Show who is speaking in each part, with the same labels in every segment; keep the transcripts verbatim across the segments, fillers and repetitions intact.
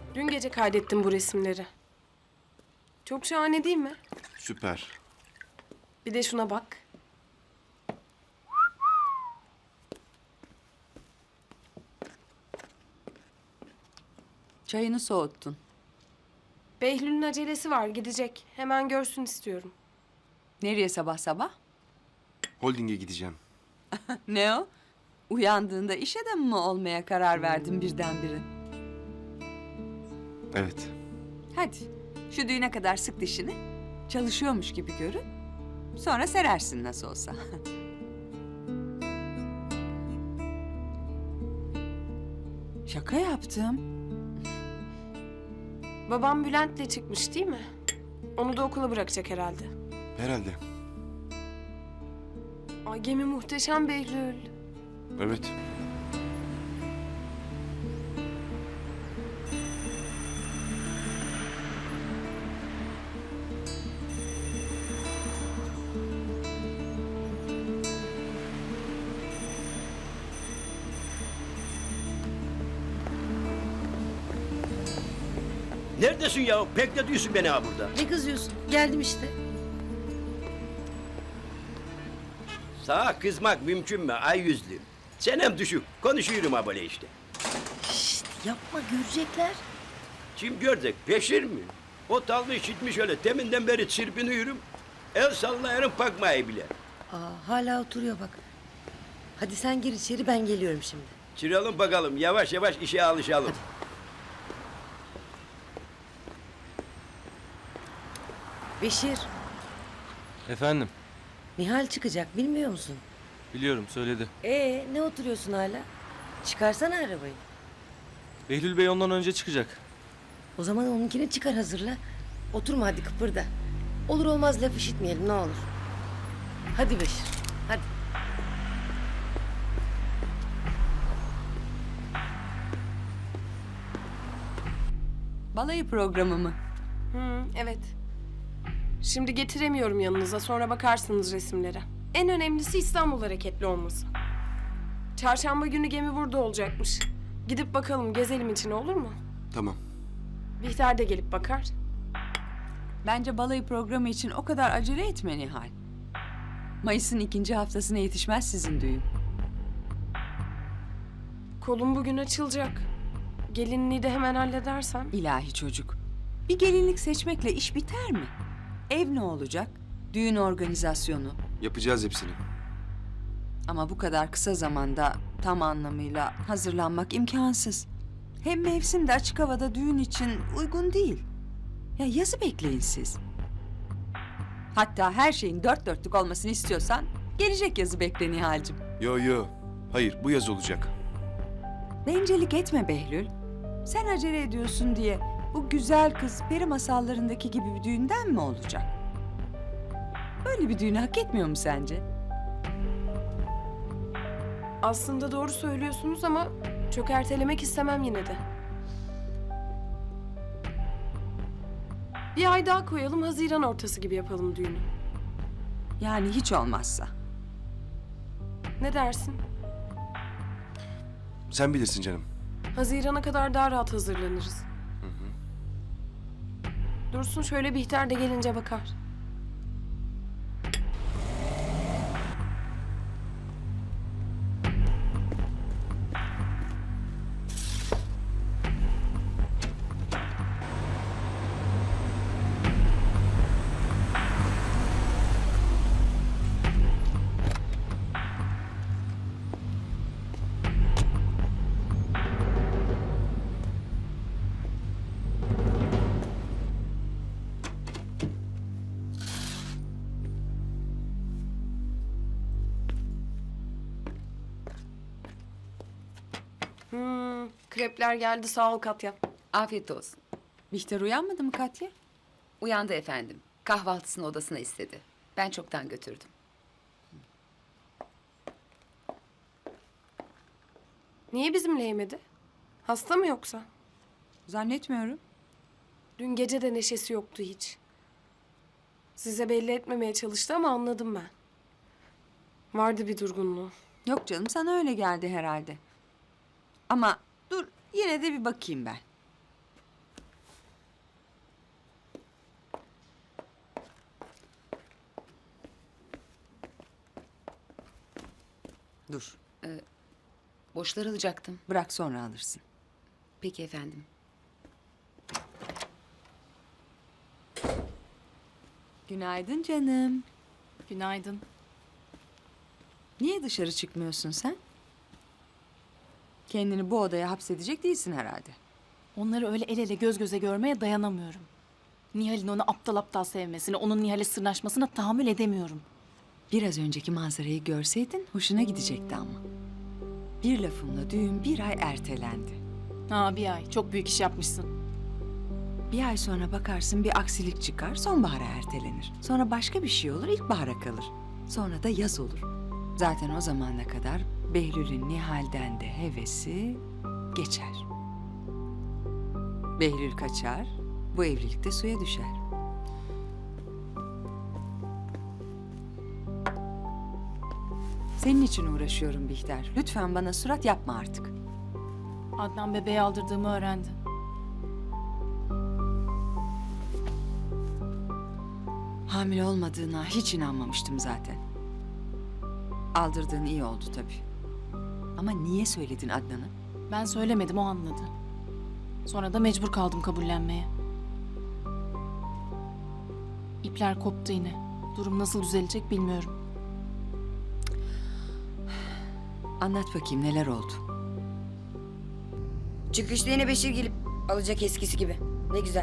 Speaker 1: Dün gece kaydettim bu resimleri. Çok şahane değil mi?
Speaker 2: Süper.
Speaker 1: Bir de şuna bak.
Speaker 3: Çayını soğuttun.
Speaker 1: Behlül'ün acelesi var, gidecek. Hemen görsün istiyorum.
Speaker 3: Nereye sabah sabah?
Speaker 2: Holding'e gideceğim.
Speaker 3: Ne o? Uyandığında iş adamı mı olmaya karar verdin birdenbire?
Speaker 2: Evet.
Speaker 3: Hadi şu düğüne kadar sık dişini. Çalışıyormuş gibi görün. Sonra serersin nasıl olsa. Şaka yaptım.
Speaker 1: Babam Bülent'le çıkmış değil mi? Onu da okula bırakacak herhalde.
Speaker 2: Herhalde.
Speaker 1: Ay gemi muhteşem Behlül.
Speaker 2: Evet.
Speaker 4: Neredesin ya? Bekletiyorsun beni ha burada.
Speaker 5: Ne kızıyorsun? Geldim işte.
Speaker 4: Sağa kızmak mümkün mü ay yüzlü? Senem düşük. Konuşuyorum ha böyle işte.
Speaker 5: Şşt, yapma görecekler.
Speaker 4: Kim görecek? Peşir mi? O tallı işitmiş öyle. Teminden beri çırpınıyorum. El sallayarım bakmayı bile.
Speaker 5: Aa, hala oturuyor bak. Hadi sen gir içeri, ben geliyorum şimdi.
Speaker 4: Çıralım bakalım. Yavaş yavaş işe alışalım.
Speaker 5: Beşir,
Speaker 6: Efendim,
Speaker 5: Nihal çıkacak bilmiyor musun?
Speaker 6: biliyorum söyledi.
Speaker 5: Ee, ne oturuyorsun hala? Çıkarsana arabayı.
Speaker 6: Behlül Bey ondan önce çıkacak.
Speaker 5: O zaman onunkini çıkar, hazırla. Oturma hadi, kıpırda. Olur olmaz laf işitmeyelim ne olur. Hadi Beşir, hadi.
Speaker 3: Balayı programı mı?
Speaker 1: Hı, evet. Şimdi getiremiyorum yanınıza, sonra bakarsınız resimlere. En önemlisi İstanbul hareketli olması. Çarşamba günü gemi burada olacakmış. Gidip bakalım, gezelim için, olur mu?
Speaker 2: Tamam.
Speaker 1: Bihter de gelip bakar.
Speaker 3: Bence balayı programı için o kadar acele etme Nihal. Mayıs'ın ikinci haftasına yetişmez sizin düğün.
Speaker 1: Kolum bugün açılacak. Gelinliği de hemen halledersem.
Speaker 3: İlahi çocuk. Bir gelinlik seçmekle iş biter mi? Ev ne olacak? Düğün organizasyonu.
Speaker 2: Yapacağız hepsini.
Speaker 3: Ama bu kadar kısa zamanda tam anlamıyla hazırlanmak imkansız. Hem mevsim de açık havada düğün için uygun değil. Ya yazı bekleyin siz. Hatta her şeyin dört dörtlük olmasını istiyorsan gelecek yazı bekle Nihal'cim.
Speaker 2: Yo yo. Hayır, bu yaz olacak.
Speaker 3: Bencillik etme Behlül. Sen acele ediyorsun diye bu güzel kız peri masallarındaki gibi bir düğünden mi olacak? Böyle bir düğünü hak etmiyor mu sence?
Speaker 1: Aslında doğru söylüyorsunuz ama çok ertelemek istemem yine de. Bir ay daha koyalım, Haziran ortası gibi yapalım düğünü.
Speaker 3: Yani hiç olmazsa.
Speaker 1: Ne dersin?
Speaker 2: Sen bilirsin canım.
Speaker 1: Haziran'a kadar daha rahat hazırlanırız. Dursun, şöyle Bihter de gelince bakar. Hmm, krepler geldi, sağ ol Katya.
Speaker 7: Afiyet olsun.
Speaker 3: Bihter uyanmadı mı Katya?
Speaker 7: Uyandı efendim. Kahvaltısını odasına istedi. Ben çoktan götürdüm.
Speaker 1: Niye bizimle yemedi? Hasta mı yoksa?
Speaker 3: Zannetmiyorum.
Speaker 1: Dün gece de neşesi yoktu hiç. Size belli etmemeye çalıştı ama anladım ben. Vardı bir durgunluğu.
Speaker 3: Yok canım, sana öyle geldi herhalde. Ama dur, yine de bir bakayım ben. Dur.
Speaker 7: Boşları alacaktım.
Speaker 3: Bırak sonra alırsın.
Speaker 7: Peki efendim.
Speaker 3: Günaydın canım.
Speaker 8: Günaydın.
Speaker 3: Niye dışarı çıkmıyorsun sen? Kendini bu odaya hapsedecek değilsin herhalde.
Speaker 8: Onları öyle el ele göz göze görmeye dayanamıyorum. Nihal'in onu aptal aptal sevmesine, onun Nihal'e sırnaşmasına tahammül edemiyorum.
Speaker 3: Biraz önceki manzarayı görseydin hoşuna gidecekti ama. Bir lafımla düğün bir ay ertelendi.
Speaker 8: Ha bir ay, çok büyük iş yapmışsın.
Speaker 3: Bir ay sonra bakarsın bir aksilik çıkar, sonbahara ertelenir. Sonra başka bir şey olur, ilkbahara kalır. Sonra da yaz olur. Zaten o zamana kadar Behlül'ün Nihal'den de hevesi geçer. Behlül kaçar, bu evlilik de suya düşer. Senin için uğraşıyorum Bihter. Lütfen bana surat yapma artık.
Speaker 8: Adnan bebeği aldırdığımı öğrendi.
Speaker 3: Hamile olmadığına hiç inanmamıştım zaten. Aldırdığın iyi oldu tabii. Ama niye söyledin Adnan'a?
Speaker 8: Ben söylemedim, o anladı. Sonra da mecbur kaldım kabullenmeye. İpler koptu yine. Durum nasıl düzelecek bilmiyorum.
Speaker 3: Anlat bakayım neler oldu?
Speaker 9: Çıkışta yine Beşir gelip alacak eskisi gibi. Ne güzel.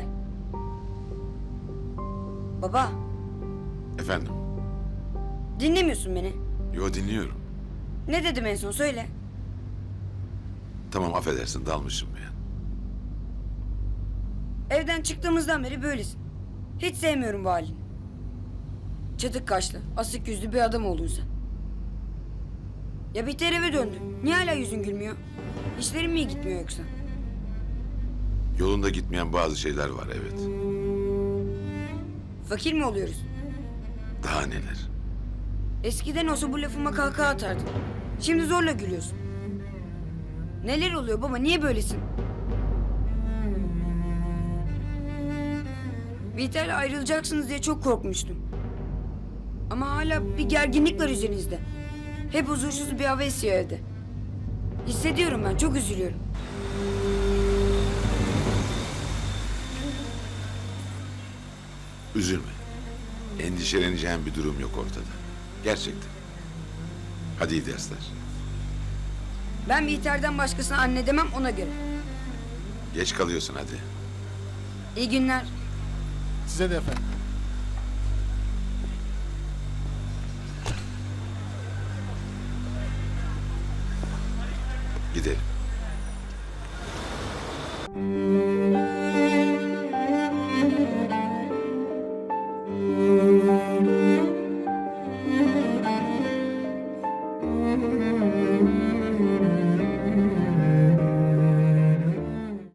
Speaker 9: Baba,
Speaker 10: Efendim?
Speaker 9: dinlemiyorsun beni.
Speaker 10: Yo, dinliyorum.
Speaker 9: Ne dedim en son söyle.
Speaker 10: Tamam, affedersin, dalmışım ben.
Speaker 9: Evden çıktığımızdan beri böylesin. Hiç sevmiyorum bu halini. Çatık kaşlı, asık yüzlü bir adam oldun sen. Ya Bihter eve döndü. Niye hala yüzün gülmüyor? İşlerin mi iyi gitmiyor yoksa?
Speaker 10: Yolunda gitmeyen bazı şeyler var, evet.
Speaker 9: Fakir mi oluyoruz?
Speaker 10: Daha neler?
Speaker 9: Eskiden olsa bu lafıma kahkaha atardın. Şimdi zorla gülüyorsun. Neler oluyor baba? Niye böylesin? Bihter'le ayrılacaksınız diye çok korkmuştum. Ama hala bir gerginlik var üzerinizde. Hep huzursuz bir hava esiyor evde. Hissediyorum ben, çok üzülüyorum.
Speaker 10: Üzülme. Endişeleneceğin bir durum yok ortada. Gerçekten. Hadi iyi dersler.
Speaker 9: Ben Bihter'den başkasına anne demem, ona göre.
Speaker 10: Geç kalıyorsun hadi.
Speaker 9: İyi günler.
Speaker 11: Size de efendim.
Speaker 10: Gidelim.